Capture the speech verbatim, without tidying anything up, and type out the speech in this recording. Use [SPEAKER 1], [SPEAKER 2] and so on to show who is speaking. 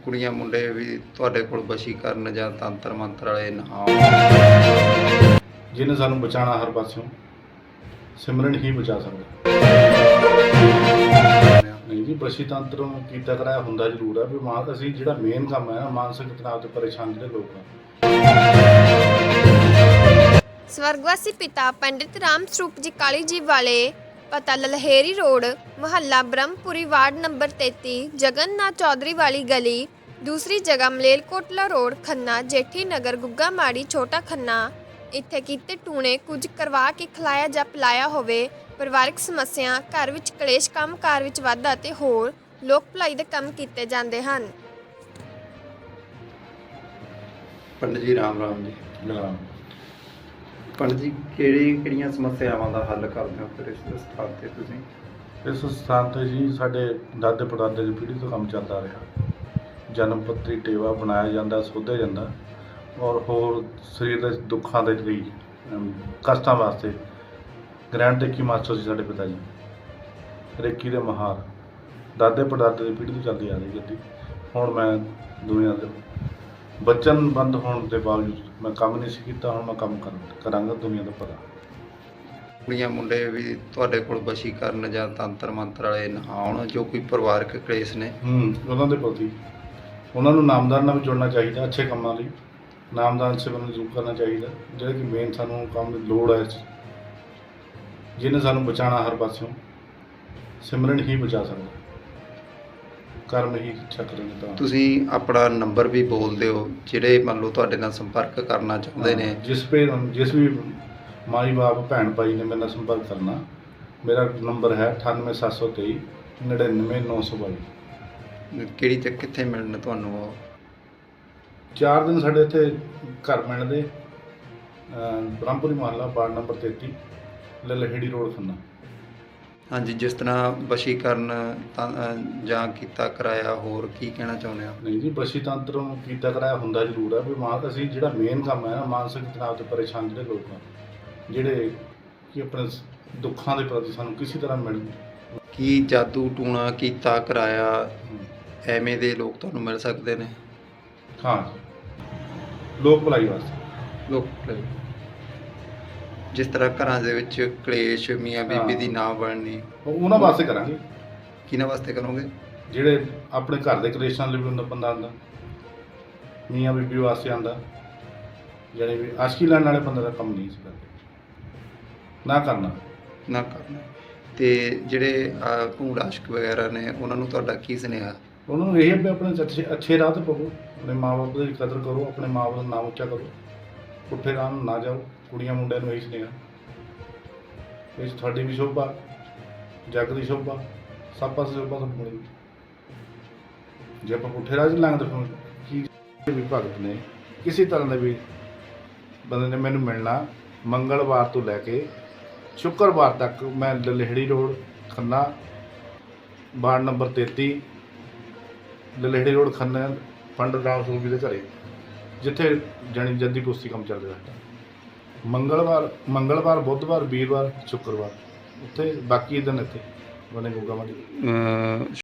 [SPEAKER 1] ਕੁੜੀਆਂ ਮੁੰਡੇ ਵੀ ਤੁਹਾਡੇ ਕੋਲ ਵਸ਼ੀਕਰਨ ਜਾਂ ਤੰਤਰ ਮੰਤਰ ਵਾਲੇ ਨਾ
[SPEAKER 2] ਜਿਹਨੇ ਸਾਨੂੰ ਬਚਾਉਣਾ ਹਰ ਪਾਸਿਓਂ, ਸਿਮਰਨ ਹੀ ਬਚਾ ਸਕਦਾ। ਨਹੀਂ ਜੀ, ਬਸੀ ਤੰਤਰ ਕੀਤਾ ਕਰਾਇਆ ਹੁੰਦਾ ਜ਼ਰੂਰ ਹੈ ਵੀ ਮਾਂ ਅਸੀਂ ਜਿਹੜਾ ਮੇਨ ਕੰਮ ਹੈ ਨਾ, ਮਾਨਸਿਕ ਤਣਾਅ ਤੋਂ ਪਰੇਸ਼ਾਨ ਜਿਹੜੇ ਲੋਕ ਆ।
[SPEAKER 3] ਸਵਰਗਵਾਸੀ ਪਿਤਾ ਪੰਡਿਤ ਰਾਮ ਸਰੂਪ ਜੀ ਕਾਲੀ ਜੀ ਵਾਲੇ, ਪਤਾ ਲਲਹੇਰੀ ਰੋਡ, ਮੁਹੱਲਾ ਬ੍ਰਹਮਪੁਰੀ, ਵਾਰਡ ਨੰਬਰ ਤੇਤੀ, ਜਗਨਨਾਥ ਚੌਧਰੀ ਵਾਲੀ ਗਲੀ। ਦੂਸਰੀ ਜਗ੍ਹਾ ਮਲੇਲਕੋਟਲਾ ਰੋਡ, ਖੰਨਾ, ਜੇਠੀ ਨਗਰ, ਗੁੱਗਾ ਮਾੜੀ, ਛੋਟਾ ਖੰਨਾ। ਇੱਥੇ ਕੀਤੇ ਟੂਣੇ ਕੁਝ ਕਰਵਾ ਕੇ ਖਿਲਾਇਆ ਜਾਂ ਪਿਲਾਇਆ ਹੋਵੇ। ਪਰਿਵਾਰਕ ਸਮੱਸਿਆ, ਘਰ ਵਿੱਚ ਕਲੇਸ਼, ਕੰਮ ਕਾਰ ਵਿੱਚ ਵਾਧਾ ਅਤੇ ਹੋਰ ਲੋਕ ਭਲਾਈ ਦੇ ਕੰਮ ਕੀਤੇ ਜਾਂਦੇ ਹਨ।
[SPEAKER 1] ਪੰਡਿਤ ਜੀ ਰਾਮ ਰਾਮ ਜੀ।
[SPEAKER 2] ਜਿਹੜਾ
[SPEAKER 1] ਪੰਡਿਤ ਜੀ ਕਿਹੜੀ ਕਿਹੜੀਆਂ ਸਮੱਸਿਆਵਾਂ ਦਾ ਹੱਲ ਕਰਦੇ ਹੋ ਫਿਰ ਇਸ ਸਥਾਨ ਤੇ ਤੁਸੀਂ?
[SPEAKER 2] ਇਸ ਸਥਾਨ 'ਤੇ ਜੀ ਸਾਡੇ ਦਾਦੇ ਪੜਦਾਦੇ ਦੀ ਪੀੜ੍ਹੀ ਤੋਂ ਕੰਮ ਚੱਲਦਾ ਰਿਹਾ। ਜਨਮ ਪੱਤਰੀ ਟੇਵਾ ਬਣਾਇਆ ਜਾਂਦਾ, ਸੋਧਿਆ ਜਾਂਦਾ, ਔਰ ਹੋਰ ਸਰੀਰ ਦੇ ਦੁੱਖਾਂ ਦੇ ਲਈ ਅਮ, ਕਸ਼ਟਾਂ ਵਾਸਤੇ ਗ੍ਰੈਂਡ ਰੇਕੀ ਮਾਸਟਰ ਸੀ ਸਾਡੇ ਪਿਤਾ ਜੀ, ਰੇਕੀ ਦੇ ਮਹਾਰ। ਦਾਦੇ ਪੜਦਾਦੇ ਦੀ ਪੀੜ੍ਹੀ ਤੋਂ ਚੱਲਦੀ ਆ ਰਹੀ ਗੱਡੀ। ਹੁਣ ਮੈਂ ਦੁਨੀਆ ਦੇ ਬਚਨ ਬੰਦ ਹੋਣ ਦੇ ਬਾਵਜੂਦ ਮੈਂ ਕੰਮ ਨਹੀਂ ਸੀ ਕੀਤਾ, ਹੁਣ ਮੈਂ ਕੰਮ ਕਰ ਕਰਾਂਗਾ ਦੁਨੀਆ ਦਾ ਪਤਾ।
[SPEAKER 1] ਕੁੜੀਆਂ ਮੁੰਡੇ ਵੀ ਤੁਹਾਡੇ ਕੋਲ ਵਸ਼ੀਕਰਨ ਜਾਂ ਤੰਤਰ ਮੰਤਰ ਵਾਲੇ ਨਾ ਆਉਣ, ਜੋ ਕੋਈ ਪਰਿਵਾਰਕ ਕਲੇਸ਼ ਨੇ
[SPEAKER 2] ਹੂੰ ਉਹਨਾਂ ਦੇ ਪ੍ਰਤੀ ਉਹਨਾਂ ਨੂੰ ਨਾਮਦਾਨ ਨਾਲ ਵੀ ਜੁੜਨਾ ਚਾਹੀਦਾ। ਅੱਛੇ ਕੰਮਾਂ ਲਈ ਨਾਮਦਾਨ ਸੇਵਨ ਨੂੰ ਜ਼ਰੂਰ ਕਰਨਾ ਚਾਹੀਦਾ, ਜਿਹੜਾ ਕਿ ਮੇਨ ਸਾਨੂੰ ਕੰਮ ਦੀ ਲੋੜ ਹੈ। ਜਿਹਨੇ ਸਾਨੂੰ ਬਚਾਉਣਾ ਹਰ ਪਾਸਿਓਂ, ਸਿਮਰਨ ਹੀ ਬਚਾ ਸਕਦਾ। ਕਰਮ ਹੀ ਇੱਛਾ ਕਰਨਗੇ ਤਾਂ
[SPEAKER 1] ਤੁਸੀਂ ਆਪਣਾ ਨੰਬਰ ਵੀ ਬੋਲ ਦਿਓ, ਜਿਹੜੇ ਮੰਨ ਲਓ ਤੁਹਾਡੇ ਨਾਲ ਸੰਪਰਕ ਕਰਨਾ ਚਾਹੁੰਦੇ ਨੇ।
[SPEAKER 2] ਜਿਸ ਪੇ ਜਿਸ ਵੀ ਮਾਈ ਬਾਪ ਭੈਣ ਭਾਈ ਨੇ ਮੇਰੇ ਨਾਲ ਸੰਪਰਕ ਕਰਨਾ, ਮੇਰਾ ਨੰਬਰ ਹੈ ਅਠਾਨਵੇਂ ਸੱਤ ਸੌ ਤੇਈ ਨੜਿਨਵੇਂ ਨੌ ਸੌ ਬਾਈ।
[SPEAKER 1] ਕਿਹੜੀ ਤੇ ਕਿੱਥੇ ਮਿਲਣ ਤੁਹਾਨੂੰ ਉਹ?
[SPEAKER 2] ਚਾਰ ਦਿਨ ਸਾਡੇ ਇੱਥੇ ਘਰ ਮਿਲਦੇ, ਬ੍ਰਹਮਪੁਰੀ ਮੁਹੱਲਾ, ਵਾਰਡ ਨੰਬਰ ਤੇਤੀ, ਲਲਹੇੜੀ ਰੋਡ, ਖੰਨਾ।
[SPEAKER 1] ਹਾਂਜੀ, ਜਿਸ ਤਰ੍ਹਾਂ ਵਸ਼ੀਕਰਨ ਤਾਂ- ਅ, ਜਾਂ ਕੀਤਾ ਕਰਾਇਆ, ਹੋਰ ਕੀ ਕਹਿਣਾ ਚਾਹੁੰਦੇ ਹੋ?
[SPEAKER 2] ਨਹੀਂ ਜੀ, ਬਸੀ ਤੰਤਰ ਕੀਤਾ ਕਰਾਇਆ ਹੁੰਦਾ ਜ਼ਰੂਰ ਹੈ ਵੀ ਮਾਂ ਅਸੀਂ ਜਿਹੜਾ ਮੇਨ ਕੰਮ ਹੈ ਨਾ, ਮਾਨਸਿਕ ਤਣਾਅ ਤੋਂ ਪਰੇਸ਼ਾਨ ਜਿਹੜੇ ਲੋਕ ਆ, ਜਿਹੜੇ ਕਿ ਆਪਣੇ ਦੁੱਖਾਂ ਦੇ ਪ੍ਰਤੀ ਸਾਨੂੰ ਕਿਸੇ ਤਰ੍ਹਾਂ ਮਿਲ
[SPEAKER 1] ਕੀ ਜਾਦੂ ਟੂਣਾ ਕੀਤਾ ਕਰਾਇਆ ਐਵੇਂ ਦੇ ਲੋਕ ਤੁਹਾਨੂੰ ਮਿਲ ਸਕਦੇ ਨੇ?
[SPEAKER 2] ਹਾਂ ਜੀ, ਲੋਕ ਭਲਾਈ ਵਾਸਤੇ।
[SPEAKER 1] ਲੋਕ ਜਿਸ ਤਰ੍ਹਾਂ ਘਰਾਂ ਦੇ ਵਿੱਚ ਕਲੇਸ਼, ਮੀਆਂ ਬੀਬੀ ਦੀ ਨਾ ਬਣਨੀ,
[SPEAKER 2] ਉਹ ਉਹਨਾਂ ਵਾਸਤੇ ਕਰਾਂਗੇ।
[SPEAKER 1] ਕਿਹਨਾਂ ਵਾਸਤੇ ਕਰੋਗੇ?
[SPEAKER 2] ਜਿਹੜੇ ਆਪਣੇ ਘਰ ਦੇ ਕਲੇਸ਼ਾਂ ਲਈ ਵੀ ਹੁੰਦਾ ਬੰਦਾ ਆਉਂਦਾ, ਮੀਆਂ ਬੀਬੀ ਵਾਸਤੇ ਆਉਂਦਾ, ਜਿਹੜੇ ਵੀ ਆਸ਼ਕੀ ਲੈਣ ਵਾਲੇ ਬੰਦੇ ਦਾ ਕੰਮ ਨਹੀਂ ਸੀ ਕਰਦੇ, ਨਾ ਕਰਨਾ
[SPEAKER 1] ਨਾ ਕਰਨਾ। ਤੇ ਜਿਹੜੇ ਭੂੜ ਆਸ਼ਕ ਵਗੈਰਾ ਨੇ, ਉਹਨਾਂ ਨੂੰ ਤੁਹਾਡਾ ਕੀ ਸੁਨੇਹਾ?
[SPEAKER 2] ਉਹਨਾਂ ਨੂੰ ਇਹ ਹੈ ਵੀ ਆਪਣੇ ਅੱਛੇ ਅੱਛੇ ਰਾਹ 'ਤੇ ਪਵੋ, ਆਪਣੇ ਮਾਂ ਬਾਪ ਦੀ ਕਦਰ ਕਰੋ, ਆਪਣੇ ਮਾਂ ਬਾਪ ਦਾ ਨਾਮ ਉੱਚਾ ਕਰੋ, ਪੁੱਠੇ ਰਾਹ ਨੂੰ ਨਾ ਜਾਓ। ਕੁੜੀਆਂ ਮੁੰਡਿਆਂ ਨੂੰ ਇਹੀ ਸੁਨੇਹਾ, ਇਹ 'ਚ ਤੁਹਾਡੀ ਵੀ ਸ਼ੋਭਾ, ਜੱਗ ਦੀ ਸ਼ੋਭਾ, ਸਭ ਪਾਸੇ ਸ਼ੋਭਾ ਤੁਹਾਨੂੰ ਮਿਲੇਗੀ। ਜੇ ਆਪਾਂ ਪੁੱਠੇ ਰਾਹ 'ਚ ਲੰਘਦੇ ਫਿਰ ਕੀ ਵੀ ਭਗਤ ਨੇ ਕਿਸੇ ਤਰ੍ਹਾਂ ਦੇ ਵੀ ਬੰਦੇ ਨੇ ਮੈਨੂੰ ਮਿਲਣਾ, ਮੰਗਲਵਾਰ ਤੋਂ ਲੈ ਕੇ ਸ਼ੁੱਕਰਵਾਰ ਤੱਕ ਮੈਂ Lalheri road, Khanna, ward number ਤੇਤੀ, ਲਲਹੇੜੀ ਰੋਡ, ਖੰਨਾ, ਪੰਡਿਤ ਰਾਮ ਸਰੂਪ ਜੀ ਦੇ ਘਰੇ, ਜਿੱਥੇ ਜਾਣੀ ਜੱਦੀ ਕੁਸ਼ਤੀ ਕੰਮ ਚੱਲ ਰਿਹਾ ਸਾਡਾ। ਮੰਗਲਵਾਰ ਮੰਗਲਵਾਰ ਬੁੱਧਵਾਰ, ਵੀਰਵਾਰ, ਸ਼ੁੱਕਰਵਾਰ ਉੱਥੇ, ਬਾਕੀ ਦਿਨ ਇੱਥੇ ਬਣੇ ਗੁੱਗਾ ਮਾੜੀ।